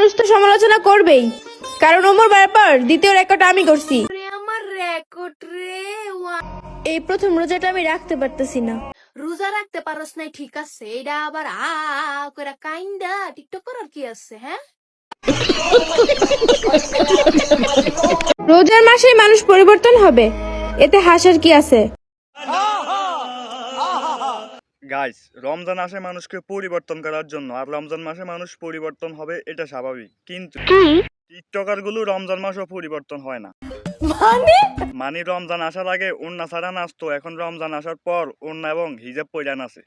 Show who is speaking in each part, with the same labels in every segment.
Speaker 1: মানুষ তো সমালোচনা করবেই, কারণ ওমর ব্যাপার দ্বিতীয় রেকর্ড আমি করছি।
Speaker 2: আমার রেকর্ড রে
Speaker 1: এই প্রথম রোজাটা আমি রাখতে পারতেছি না।
Speaker 2: রোজা রাখতে পারস নাই ঠিক আছে, এটা আবার করে কাইন্ডা টিকটক করার কি আছে? হ্যাঁ,
Speaker 1: রোজার মাসে মানুষ পরিবর্তন হবে, এতে হাসার কি আছে?
Speaker 3: গাইস, রমজান আসে মানুষকে পরিবর্তন করার জন্য, আর রমজান মাসে মানুষ পরিবর্তন হবে এটা স্বাভাবিক, কিন্তু টিকটকার গুলো রমজান মাসও পরিবর্তন হয় না। মানে রমজান আসার আগে ওড়না ছাড়া নাচতো, এখন রমজান আসার পর ওড়না এবং হিজাব পইরা নাচে।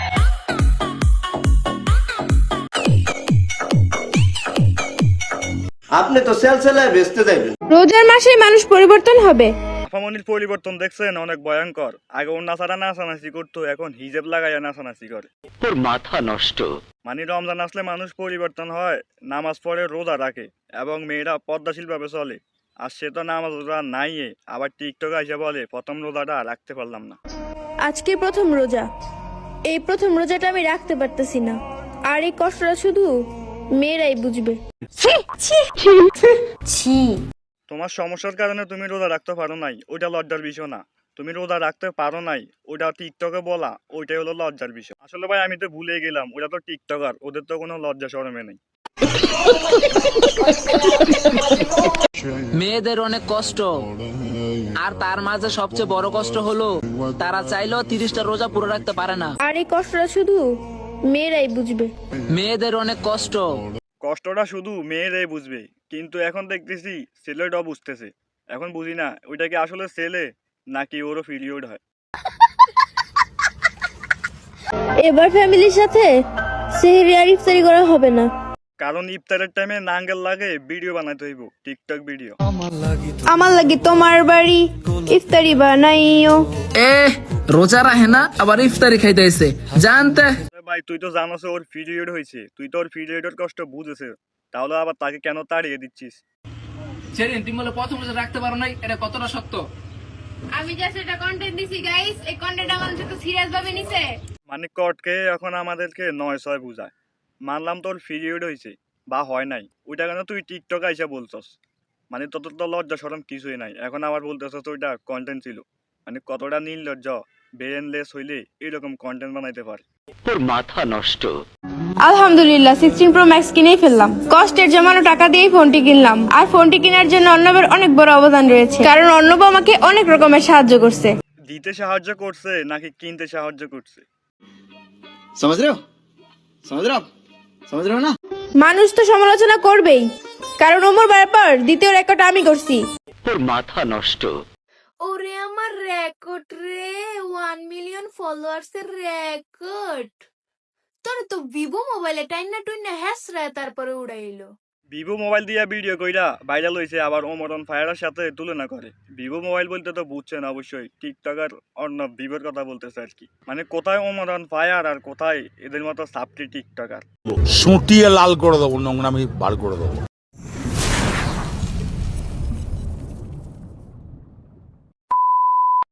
Speaker 4: আপনি তো সেলসেলায় বেচতে যাইবেন।
Speaker 1: রোজার মাসে মানুষ পরিবর্তন হবে।
Speaker 3: আফামনির পরিবর্তন দেখছেন, অনেক ভয়ঙ্কর। আগে ওড়না ছাড়া নাচানাচি করতো, এখন হিজাব লাগাইয়া নাচানাচি করে।
Speaker 5: তোর মাথা নষ্ট।
Speaker 3: মানে রমজান আসলে মানুষ পরিবর্তন হয়, নামাজ পড়ে, রোজা রাখে এবং মেয়েরা পদ্মাশীল ভাবে চলে। আর সে তো নামাজ রোজা নাই, আবার টিকটক এসে বলে প্রথম রোজাটা রাখতে পারলাম না।
Speaker 1: আজকে প্রথম রোজা, এই প্রথম রোজাটা আমি রাখতে পারতেছি না, আর এই কষ্টটা শুধু মেয়েরাই বুঝবে।
Speaker 3: তোমার সমস্যার কারণে তুমি রোজা রাখতে পারো নাই, ওইটা লজ্জার বিষয় না। তুমি রোজা রাখতে পারো নাই, ওইটা টিকটকে বলা, ওইটাই হলো লজ্জার বিষয়। আসলে ভাই আমি তো ভুলে গেলাম, ওটা তো টিকটকার, ওদের তো কোনো লজ্জা শরমে নেই।
Speaker 6: মেয়েদের অনেক কষ্ট, আর তার মাঝে সবচেয়ে বড় কষ্ট হলো তারা চাইলেও 30টা রোজা পুরো রাখতে পারে না।
Speaker 1: আর এই কষ্টটা শুধু মেয়েরাই বুঝবে।
Speaker 6: মেয়েদের অনেক কষ্ট।
Speaker 3: কষ্টটা শুধু মেয়েরাই বুঝবে, কিন্তু এখন দেখতেছি ছেলেটাও বুঝতেছে। এখন বুঝি না ওইটা কি আসলে ছেলে নাকি ওরও পিরিয়ড হয়।
Speaker 1: এবার ফ্যামিলির সাথে সেহরি আর ইফতারি করা হবে না,
Speaker 3: কারণ ইফতারের টাইমে নাঙ্গেল লাগে, ভিডিও বানাইতে হইব, টিকটক ভিডিও।
Speaker 1: আমার লাগি তোমার বাড়ি ইফতারি বানাইও।
Speaker 6: রোজা রাখে না, আবার ইফতারি খাইতে হয়েছে জানতে।
Speaker 3: ভাই তুই তো জানোস ওর পিরিয়ড হয়েছে, তুই তো ওর পিরিয়ডের কষ্ট বুঝেছে, তাহলে আবার তাকে কেন তাড়িয়ে দিচ্ছিস?
Speaker 6: সেদিন তুমি বলে প্রথম রোজা রাখতে পারো নাই, এটা কতটা সত্য?
Speaker 2: আমি জাস্ট এটা কন্টেন্ট দিছি গাইস, এই কন্টেন্ট আমার সাথে সিরিয়াস ভাবে নিছে।
Speaker 3: মানে কটকে এখন আমাদেরকে 9-6 বুঝায়। মানলাম তোর পিরিয়ড হয়েছে বা হয় নাই, ওইটা কেন তুই টিকটক আইসা বলছস? মানে তোর তো লজ্জা শরম কিছুই নাই, এখন আবার বলতেছস ওইটা কন্টেন্ট ছিল। মানে কতটা নির্লজ্জ, ব্রেনলেস হইলে এরকম কন্টেন্ট বানাইতে পারে।
Speaker 5: তোর মাথা নষ্ট।
Speaker 1: আলহামদুলিল্লাহ 16 প্রো ম্যাক্স কিনেই ফেললাম। কষ্টের জমানো টাকা দিয়েই ফোনটি কিনলাম, আর ফোনটি কেনার জন্য অর্ণবের অনেক বড় অবদান রয়েছে, কারণ অর্ণব আমাকে অনেক রকমের সাহায্য করছে।
Speaker 3: দিতে সাহায্য করছে নাকি কিনতে সাহায্য করছে?
Speaker 4: समझ रहे हो समझ रहे हो ना।
Speaker 1: মানুষ তো সমালোচনা করবেই, কারণ ওমর ব্যাপার দ্বিতীয় রেকর্ড আমি করছি।
Speaker 5: তোর মাথা নষ্ট।
Speaker 2: ওরে আমার রেকর্ড রে, 1 মিলিয়ন ফলোয়ার্স এর রেকর্ড। তোর তো ভিভো মোবাইলে টাইনা টুইনা হ্যাসরা তারপরে উড়াইলো।
Speaker 3: ভিভো মোবাইল দিয়া ভিডিও কইরা ভাইরাল হয়েছে, আবার ওমর অন ফায়ারের সাথে তুলনা করে। ভিভো মোবাইল বলতে তো বুঝছেন অবশ্যই, টিকটকার অন্য ভিভোর কথা বলতেছে আর কি। মানে কোথায় ওমর অন ফায়ার আর কোথায় এদের মতো সাবটি টিকটকার।
Speaker 7: সুটিয়ে লাল করে দেবো, নোংরামি বার করে দেবো।